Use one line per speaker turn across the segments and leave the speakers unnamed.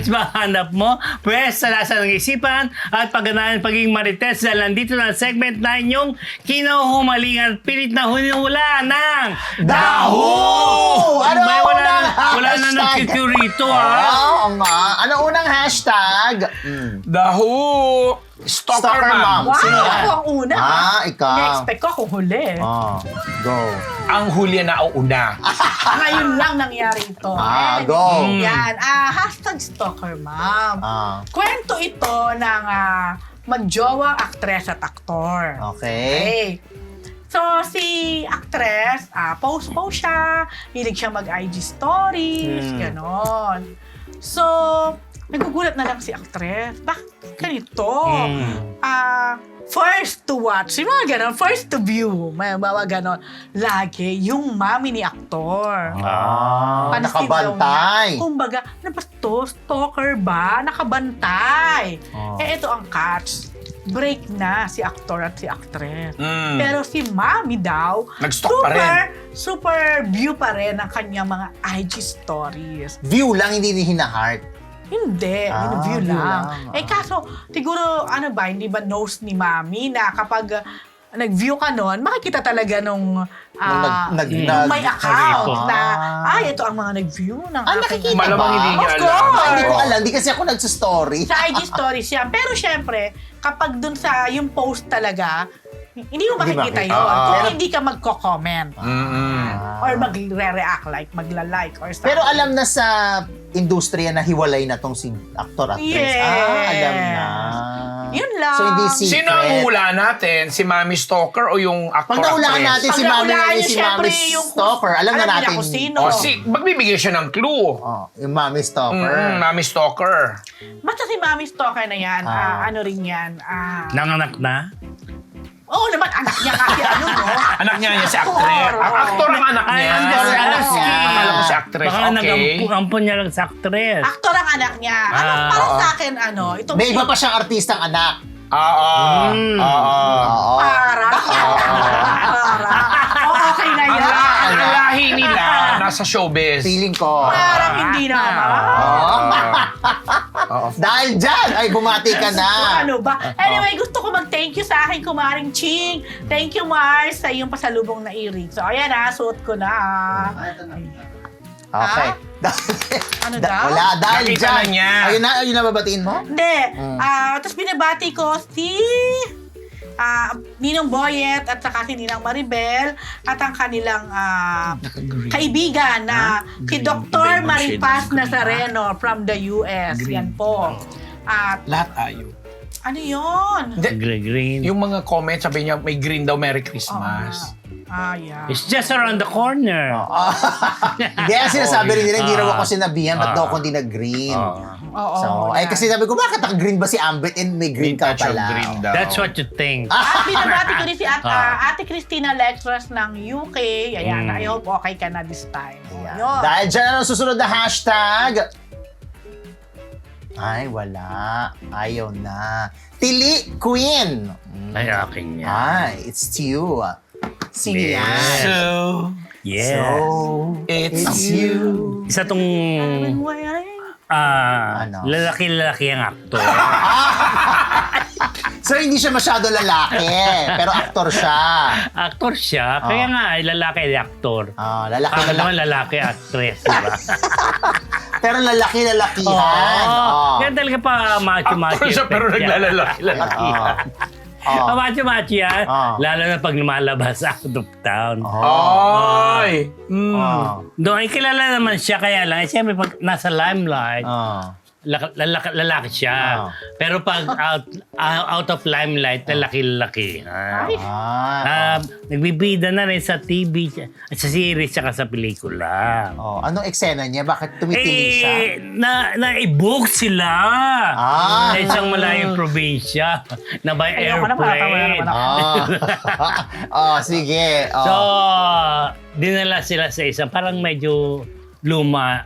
Marites ba hanap mo? Pwes, salasan ng isipan at pagganahan pagiging Marites dahil nandito na ang segment na inyong kinahumalingan at pilit na hunihula ng
Daho! Ano
May
ang
wala
unang
na
hashtag?
nag-QQ rito, ha?
Oo nga. Ano unang hashtag?
Daho! Stalker,
Stalker
ma'am.
ma'am.
Wow,
Sino yan?
ako ang una.
Ikaw.
Na-expect ko akong huli.
Go.
Ang huli na una.
Ngayon lang nangyari ito.
Go.
Yan. Hashtag stalker, ma'am. Kwento ito ng magjowang aktres at aktor.
Okay.
So, si actress, post siya, hilig siya mag-IG stories, ganon. So, nagugulat na lang si actress. Bakit ganito? First to watch, yung mga ganon, first to view, may mga ganon. Lagi, yung mami ni aktor. Pansin daw
Nakabantay.
niya. Kumbaga, ano ba to? Stalker ba? Nakabantay. Ito ang catch. Break na si aktor at si actress. Pero si mami daw,
Nag-stalk pa rin.
super view pa rin ang kanyang mga IG stories.
View lang, hindi hina-heart.
Hindi, view
view
lang.
lang.
Kaso, siguro, hindi ba knows ni mami na kapag nag-view ka nun, makikita talaga nung may account na, ito ang mga nag-view ng aking
nakikita
Malamang
ba?
hindi niya
Of
alam.
course!
Hindi ko alam, di kasi ako nagsustory.
Sa IG stories yan. Pero syempre, kapag dun sa yung post talaga, hindi mo makikita
Hindi
yun.
makikita.
Kung hindi ka magko-comment. Or magre-react, magla-like or something.
Pero alam na sa industriya na hiwalay na tong si actor-actress.
Yes.
Alam na.
Yun lang.
So, hindi secret.
Sino ang hula natin? Si Mami Stalker o yung
Pag
actor-actress?
naulaan natin si
Pag
Mami
naulaan
ngayon,
niyo,
si
syempre,
Mami
yung-
Stalker, alam na
alam niya
natin.
kung sino.
Magbibigay siya ng clue.
Yung Mami Stalker.
Mami Stalker.
Basta si Mami Stalker na yan, ano rin yan.
Nanganak na?
Oo naman, anak niya kasi
Anak niya si actress. Ang actor ang anak niya.
I'm just asking.
Akala ko si actress.
Baka
Okay.
nag-ampun niya lang sa actress.
Aktor ang anak niya. Para sa akin, itong
May iba pa siyang artistang anak.
Oo.
Oo.
Para. Okay na yan.
Ang lahi nila nasa showbiz.
Feeling ko.
Parang hindi naman.
Dahil dyan, ay bumati ka na.
Ano ba? Anyway, gusto ko mag-thank you sa aking kumaring Ching. Thank you, Mars, sa iyong pasalubong na earring. So, ayan suot ko na.
Okay.
Ano daw?
Wala, dahil
Nakita
dyan.
na niya.
Ayun na babatiin mo?
Hindi. Tapos binabati ko si Ninong Boyet at saka si Ninang Maribel at ang kanilang kaibigan na si Dr. Maripas Nazareno from the US. Yan po. At
Lahat ayaw.
ano yun?
Green.
Yung mga comments, sabi niya, may green daw, Merry Christmas.
Yeah.
It's just around the corner.
Hindi, sinasabi rin nila, hindi raw ako sinabihan, ba't daw ako hindi nag-green?
Oo.
So, ay kasi sabi ko, bakit naka-green ba si Ambit and may green ka
Touch of
pala?
green daw.
That's what you think.
At binabati ko rin si Ate Christina Lexras ng UK. Ayan, I hope okay ka na this time.
Ayan.
Yun.
Dahil dyan, ano susunod na hashtag? Ay, wala. Ayaw na. Tili Queen.
Ay, akin yan.
Ay, it's you. Sino
Yes.
yan?
So,
Yes.
So,
it's you.
Isa tong
Ano?
lalaki-lalaki ang actor.
So, hindi siya masyado lalaki, pero aktor siya.
Actor siya, kaya nga ay lalaki ay actor.
Lalaki,
Ako
lalaki.
naman lalaki actress, di ba?
Pero lalaki-lalakihan.
Kaya talaga pa macho-macho.
Actor siya pero
effect yan.
naglalaki.
Macho-macho yan, lalo na pag lumalabas out of town.
Ay!
Doon ay kilala naman siya, kaya lang, siyempre pag nasa limelight, lalaki siya. Pero pag out of limelight, lalaki-lalaki. Nagbibida na rin sa TV, sa series, saka sa pelikula.
Anong eksena niya? Bakit tumitiling siya?
Na-book sila. Sa isang malayong probinsya na by airplane.
Sige.
So, dinala sila sa isang parang medyo luma,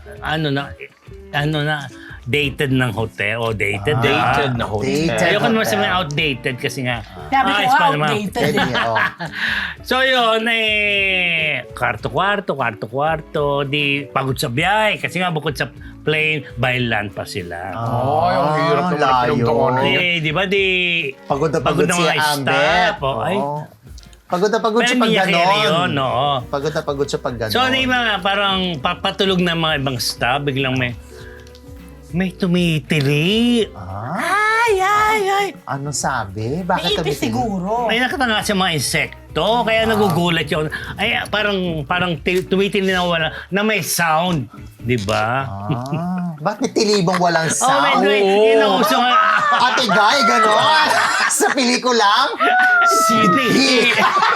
dated ng hotel. Dated.
Dated na hotel.
Ayoko naman sabihin outdated kasi nga.
Sabi ko,
ayos pa naman.
outdated.
So yun, kwarto-kwarto, di pagod sa biyahe. Kasi nga bukod sa plane, by land pa sila.
Oh, yung hirap naman ang
layo.
pinagdaanan niya.
Di ba
Pagod na pagod si
mga
Ambet.
staff. Oh, ay.
Oo. Pagod na pagod
Pero
siya pag
hindi niya carry yun,
ganon.
oo.
Pagod na pagod siya pag ganon.
So, may mga parang papatulog na mga ibang staff, biglang may tumitili. Ay.
Ano sabi?
May
Bakit
ipis
tumitingin?
siguro.
May nakatanga sa mga insekto, kaya nagugulat yun. Ay, parang tumitili na wala, na may sound. Di ba?
Bakit may tilibong walang sound?
Yun ang uso nga.
Ate Guy, ganon. Sa pelikulang?
Hindi.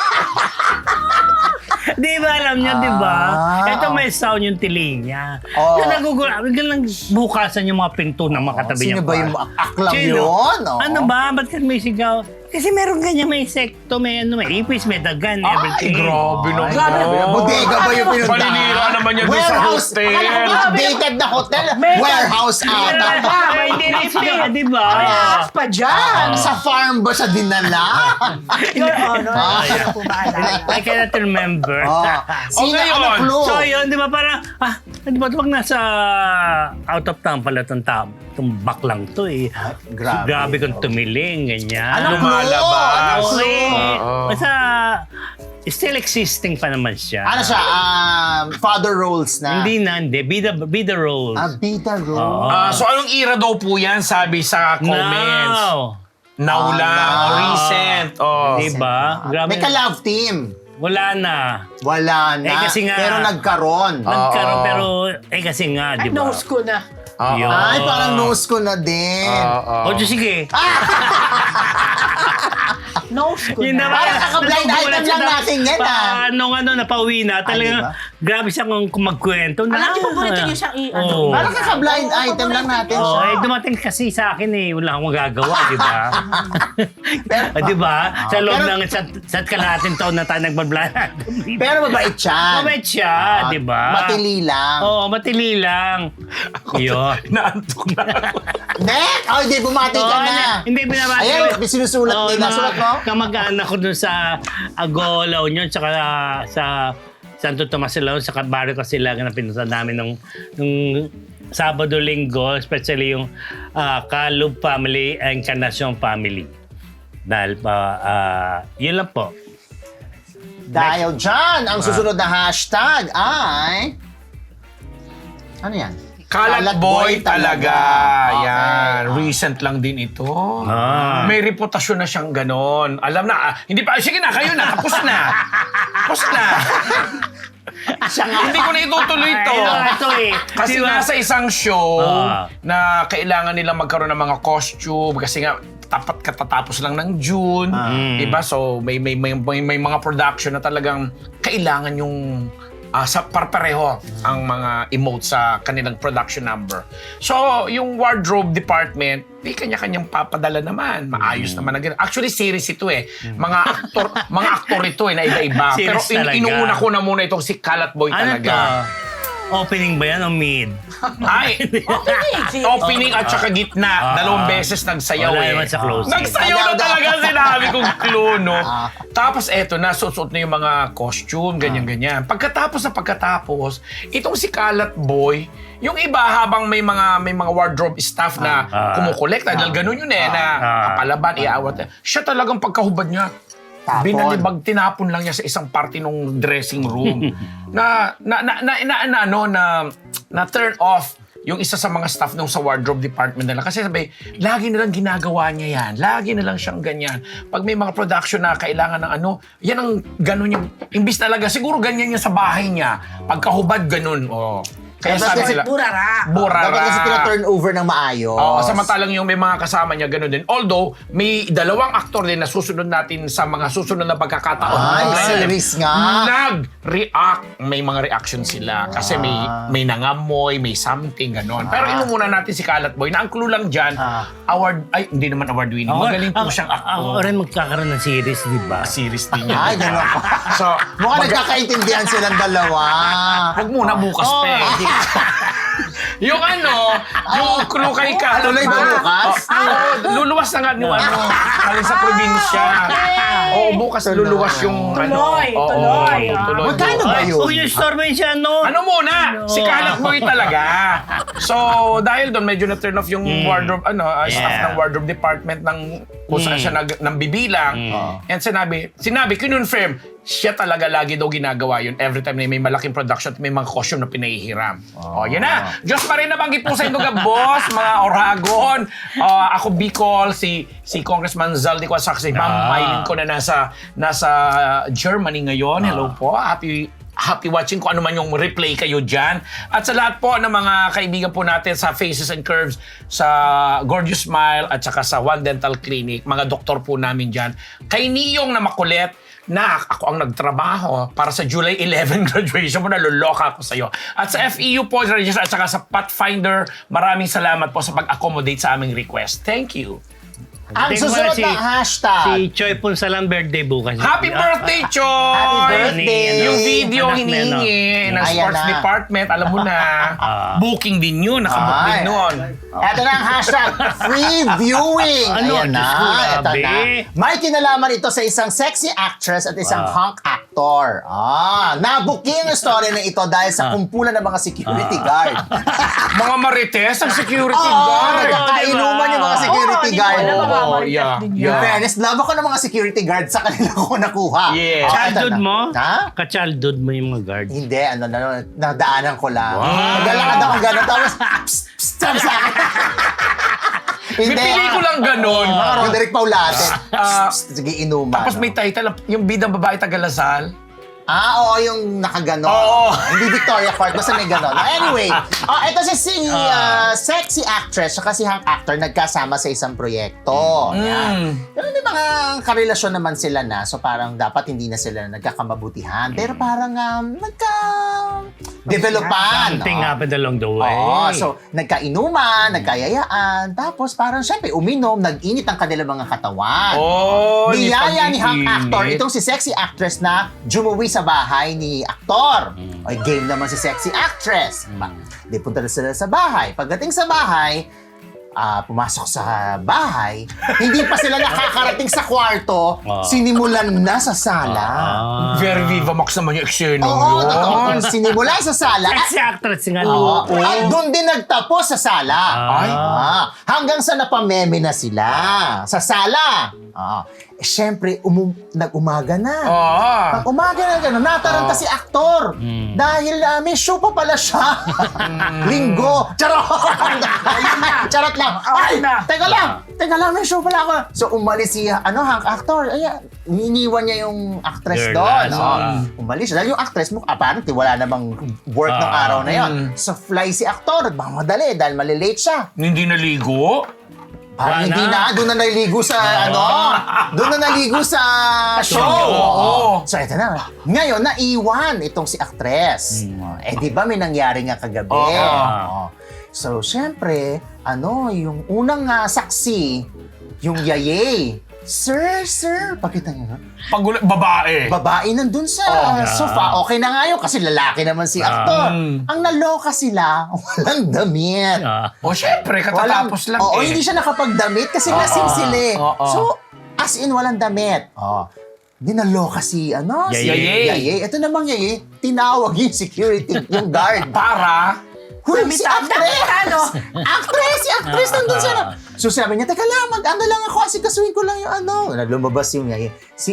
Di ba alam niyo, di ba? Ito may sound yung tili niya.
Oh.
Kaya nagugulat. Biglang lang bukasan yung mga pinto ng mga katabi niya.
Sino ba yung aklang
Sino?
yun? Oo.
Ano ba? Ba't ka may sigaw? Kasi meron ganyan, may insekto, may ipis, may dagan,
Ay,
everything.
grabe naman.
Bodega ba yung pinuntahan?
Paninira naman yan doon sa
Warehouse.
hotel.
Akala ko updated na hotel. Warehouse ata.
Ay, hindi rin siya, di ba?
May ahas pa dyan.
Sa farm ba siya dinala?
Your Honor, hindi ko po maalala.
I cannot remember.
Sino
ngayon?
ano clue?
So yun, di ba parang, di ba pag nasa out of town pala itong tao, itong baklang to eh.
Grabe.
Kung tumiling, ganyan.
Anong clue?
Lumalabas.
Okay.
Oo.
Basta, still existing pa naman siya.
Ano siya? Father roles na?
Hindi. Be the roles.
Bida role.
Oo.
So anong era daw po yan, sabi sa comments?
Now.
Now lang,
now.
o recent. Oh.
Diba? Grabe.
May ka-love team.
Wala na.
Wala na.
Eh, kasi nga-
Pero nagkaroon.
Nagkaroon pero, kasi nga,
Ay,
di ba?
nose ko na.
Yun.
Ay, parang nose ko na din.
O, sige.
Nose ko
Yun
na.
naman.
Parang kaka-blind
Nagugulat
item
siya
lang natin yan,
Nung napauwi na, talagang
diba?
grabe siya kung magkwento na.
Alam niyo, paborito niyo siyang i-ano.
Oo.
Parang kaka-blind item lang natin
Oo,
siya.
dumating kasi sa akin wala akong magagawa, di ba? Di ba? Sa loob
pero-
ng sa kalahating taon na tayo nagbablahan.
Pero mabait siya.
Mabait siya, di ba?
Matili lang.
Oo, matili lang. Yun.
Naantok na ako.
Nek! Oh, hindi, bumati ka na.
Hindi, binabati
Ayan, may sinusulat
Oo,
nila.
mga
Sulat mo?
Kamag-anak ko dun sa Agolaw yun, tsaka sa Santo Tomas sila, sa barrio kasi sila na pinunta namin nung Sabado, Linggo, especially yung Kalub family and Encarnacion family. Dahil yun lang po.
Dahil dyan, ang susunod na hashtag ay... Ano yan?
Kalat boy talaga. Yan.
Okay.
Recent lang din ito.
Ah.
May reputasyon na siyang ganon. Alam na. Hindi pa. Sige na, kayo na. Tapos na. Tapos na. Hindi ko na itutuloy ito.
Ito
Kasi
Di ba?
nasa isang show
Ah.
na kailangan nilang magkaroon ng mga costume kasi nga tapat katatapos lang ng June, diba? So may mga production na talagang kailangan yung sa parpareho ang mga emotes sa kanilang production number. So, yung wardrobe department, may kanya-kanyang papadala naman. Maayos naman na ganun. Actually, series ito eh. Mga aktor ito eh, na iba-iba. Pero
Series talaga.
inuuna ko na muna itong si Kalat Boy
Ano
talaga.
to? Opening ba yan o mid?
Ay, opening at saka gitna. Dalawang beses nagsayaw
Wala
eh.
naman sa closing.
Nagsayaw na talaga sinabi kong clue, no? Tapos eto na, susuot na yung mga costume, ganyan-ganyan. Pagkatapos, itong si Kalat Boy, yung iba habang may mga wardrobe staff na kumukolekta, dahil ganun yun eh, na kapalaban, iawat. Siya talagang pagkahubad niya,
Tapon.
binalibag, tinapon lang niya sa isang party nung dressing room na turn off yung isa sa mga staff nung sa wardrobe department nila. Kasi sabi, lagi nilang ginagawa niya yan. Lagi nilang siyang ganyan. Pag may mga production na kailangan ng yan ang ganun yung, imbis talaga, siguro ganyan niya sa bahay niya. Pagkahubad, ganun. Oh. Kaya
Dapat
sabi
kasi
sila,
Burara.
Dapat kasi tina-turn over ng maayos.
Oo, samantalang yung may mga kasama niya, gano'n din. Although, may dalawang aktor din na susunod natin sa mga susunod na pagkakataon.
Ay,
Pag-
series nga.
Nag-react. May mga reaction sila. Kasi may nangamoy, may something, gano'n. Pero inumuna natin si Kalat Boy na ang clue lang dyan, hindi naman award winning. Magaling po siyang
Ako
actor.
rin magkakaroon ng series, di ba?
Series din yan.
Ay, gano'n pa.
So,
Mukhang nagkakaintindihan silang dalawa.
Huwag muna bukas, pe. Yung yung clue kay Kalat.
Tuloy ba bukas?
Luluwas na nga yung galing sa probinsya. Oo, bukas luluwas yung
Tuloy.
Magkano ba yun?
Oh, yung store mo yun siya, no?
Ano muna? Si Kalat Boy talaga. So, dahil doon medyo na-turn off yung wardrobe, staff ng wardrobe department ng kung saan siya nang bibilang. And sinabi, kinonfirm, siya talaga lagi daw ginagawa yun every time na may malaking production at may mga costume na pinahihiram. Yan na. Diyos pa rin nabanggit po sa inyo, boss, mga Oragon. Ako Bicol, si Congressman Zaldi Quasac, si Ma'am Mylene ko na nasa Germany ngayon. Hello po. Happy watching kung ano man yung replay kayo dyan. At sa lahat po ng mga kaibigan po natin sa Faces and Curves, sa Gorgeous Smile, at saka sa One Dental Clinic, mga doktor po namin dyan. Kay Niyong na makulit, na ako ang nagtrabaho para sa July 11 graduation mo, naluloka ako sa'yo. At sa FEU po, at saka sa Pathfinder, maraming salamat po sa pag-accommodate sa aming request. Thank you.
Ang susunod na hashtag.
Si Choi Punsalan birthday bukas.
Happy birthday, Choy!
Happy birthday!
Yung video
Anak
hinihingi ng
Ayan
sports
na.
department, alam mo na, booking din yun, nakabook din nun.
Ito na ang hashtag, free viewing.
Ano?
Ayan na,
Diyos ko,
ito
grabe.
na. May kinalaman ito sa isang sexy actress at isang hunk actor. Nabuking ang story na ito dahil sa kumpulan ng mga security guard.
Mga marites ang security
Oo,
guard.
nagkakainuman yung mga security guard.
Yeah.
In fairness, love ako ng mga security guard sa kanila ko nakuha.
Yeah.
Childhood
Ito na.
mo?
Ha?
Ka-childhood mo yung mga guard.
Hindi, nadaanan ko lang.
Wow.
Naglalakad ako gano'n, tapos, psst, psst, sabi sa akin.
May pelikulang ganun.
Yung Derek Paulate. Sige, inuman.
Tapos may title, yung bidang babae taga-Lasal.
Oo, yung nakaganon.
Oo.
Hindi Victoria Court, basta may ganon. Anyway, ito si sexy actress saka si hunk actor nagkasama sa isang proyekto. Yan. Pero may mga karelasyon naman sila na, so parang dapat hindi na sila nagkakamabutihan. Pero parang nagka-developan.
Something happened along the way.
Oo, so nagkainuman, nagkayayaan, tapos parang syempre uminom, nag-init ang kanilang mga katawan. Niyaya ni hunk actor, itong si sexy actress na jumuwi sa bahay ni aktor. Ay, game naman si sexy actress. Di punta na sila sa bahay. Pagdating sa bahay, pumasok sa bahay, hindi pa sila nakakarating sa kwarto, sinimulan na sa sala.
Very Viva Max naman yung eksena
Oo,
yun.
totoo. Sinimulan sa sala.
Sexy actress nga.
Oo. At doon din nagtapos sa sala. Hanggang sa napameme na sila sa sala. Siyempre, nag-umaga na. Pag umaga na gano'n, nataranta si aktor. Dahil may show pa pala siya. Linggo. Charot! Charot lang. Ay, teka lang, may show pala ako. So, umalis si, hunk actor. Iniwan niya yung actress doon. Umalis siya. Dahil yung actress mo, apparently, wala namang work ng araw na yon. So, fly si aktor. Nagmamadali dahil malilate siya.
Hindi naligo?
Hindi na, doon na naligo sa doon na naligo sa show. So ito na. Ngayon, naiwan itong si actress. Di ba may nangyari nga kagabi? So, syempre, yung unang saksi, yung yayay. Sir, pakita niyo.
Babae.
Babae nandun sa sofa. Okay na nga yun kasi lalaki naman si aktor. Ang naloka sila, walang damit.
Syempre, katatapos lang
hindi siya nakapagdamit kasi lasing sila eh. So, as in, walang damit. Dinaloka si, si Yayay. Ito namang Yayay, tinawag yung security, yung guard.
Para?
Huy, si actress! Actress nandun siya na. So sabi niya, teka lang, lang ako, asikasuhin ko lang yung lumabas yung Yayay.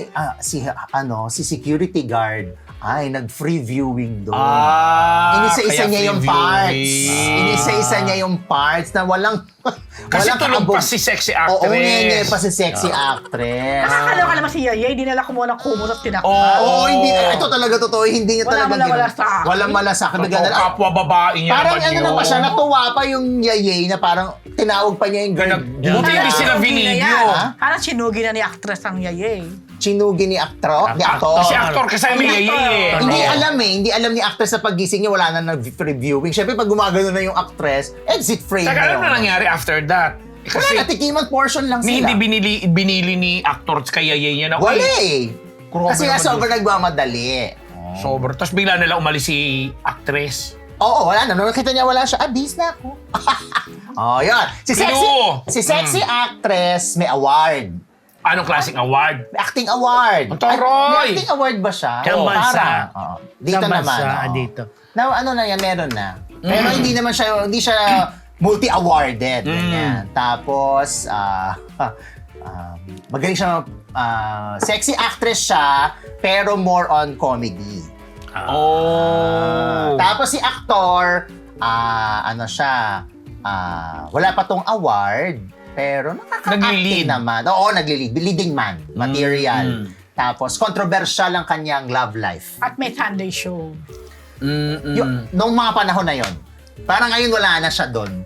Si security guard, nag-free viewing doon. Inisa-isa niya yung parts. Inisa-isa niya yung parts na walang
Kasi tulog pa si sexy actress.
Oo, nyenye pa si sexy actress.
Nakakaloka naman si Yayay, dinala ko muna kumot at tinakpan.
Oo, hindi. Ito talaga totoo. Hindi niya talaga
Walang
walang malasak.
Kapwa babae niya
Parang
naman yun.
na pa siya, natuwa pa yung Yayay na parang tinawag pa niya yung guard.
Buti hindi sila binidyo.
Parang sinugi na ni actress ang Yayay.
Chinugi ni actor.
Si actor kasi may Yayay.
Hindi alam ni actress sa paggising niya, wala na nag-reviewing. Siyempre, pag gumagano na yung actress, exit frame
Saka
na
alam na nangyari after that.
Kasi wala, natikiman portion lang sila.
Hindi binili ni actor kay Yayay niya na.
Wala eh.
Grabe
Kasi nga
naman
sobrang nagmamadali.
Sobrang. Tapos bigla nila umalis si actress.
Oo, wala na. Nung nakita niya wala siya, bis na ako. Oh, yun.
Sino?
Si sexy actress may award.
Anong klaseng award?
May acting award.
Ang taray!
May acting award ba siya?
Saan bansa?
Parang, oo. Dito
Saan bansa?
naman. Oo.
Dito.
Na, ano na yan, meron na. Pero hindi naman siya, hindi siya multi-awarded. Ganyan. Tapos, magaling siya, sexy actress siya, pero more on comedy. Tapos si actor, ano siya, wala pa tong award, pero nakaka-acting
Nagli-lead.
naman. Oo, nagli-lead. Leading man, material. Tapos, controversial ang kanyang love life.
At may Sunday show.
Nung mga panahon na yon, parang ngayon wala na siya doon.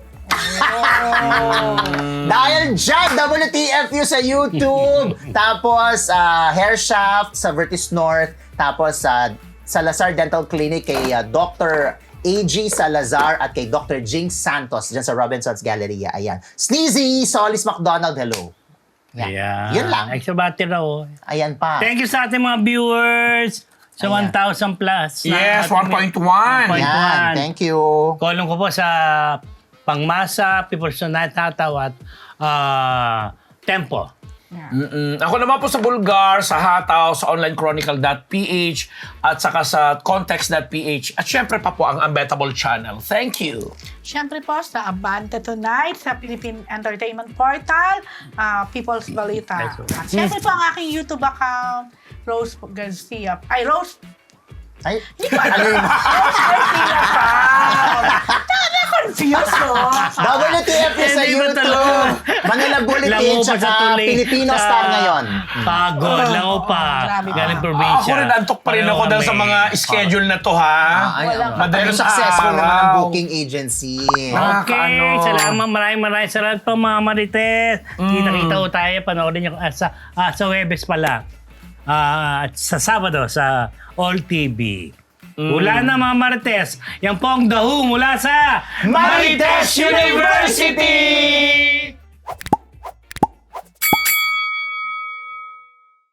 Dahil dyan, WTFU sa YouTube. Tapos, Hair Shaft sa Vertis North. Tapos, Salazar Dental Clinic kay Dr. A.G. Salazar at kay Dr. Jinx Santos dyan sa Robinson's Galleria. Ayan. Sneezy, Solis McDonald, hello.
Ayan.
Yun lang.
Extra battery raw.
Ayan pa.
Thank you sa ating mga viewers. Sa
Ayan.
1,000 plus.
Yes, 1.1.
Ayan, thank you.
Kolong ko po sa Pangmasa, People's Tonight, Tataw at Tempo.
Ako naman po sa Bulgar, sa Hataw, sa onlinechronicle.ph at saka sa context.ph at syempre pa po ang Unbettable Channel. Thank you.
Siyempre po sa Abante Tonight, sa Philippine Entertainment Portal, People's Balita. At siyempre po ang aking YouTube account, Rose Garcia. Ay, Rose
Ay,
Hindi ko
ano yun?
Garcia pa. Na-confuse mo.
WTFU sa
Hindi ba
YouTube.
talaga?
Manila Bulletin,
Lango pa sa
tsaka
tuloy.
Filipino
Sa-
Star ngayon.
Pagod, lango pa.
Grabe.
Galing probinsya.
Ako rin, antok pa rin ako dahil sa mga schedule na to, ha?
Walang-
Madaling
Pero successful
araw.
naman ang booking agency.
Okay,
Nakakaano.
salamat. Maraming salamat po mga Marites. Kita-kita ko tayo. Panoorin niyo sa Webes pala. At sa Sabado sa All TV. Wala na mga Marites. Yan po ang dahu mula sa
Marites
University!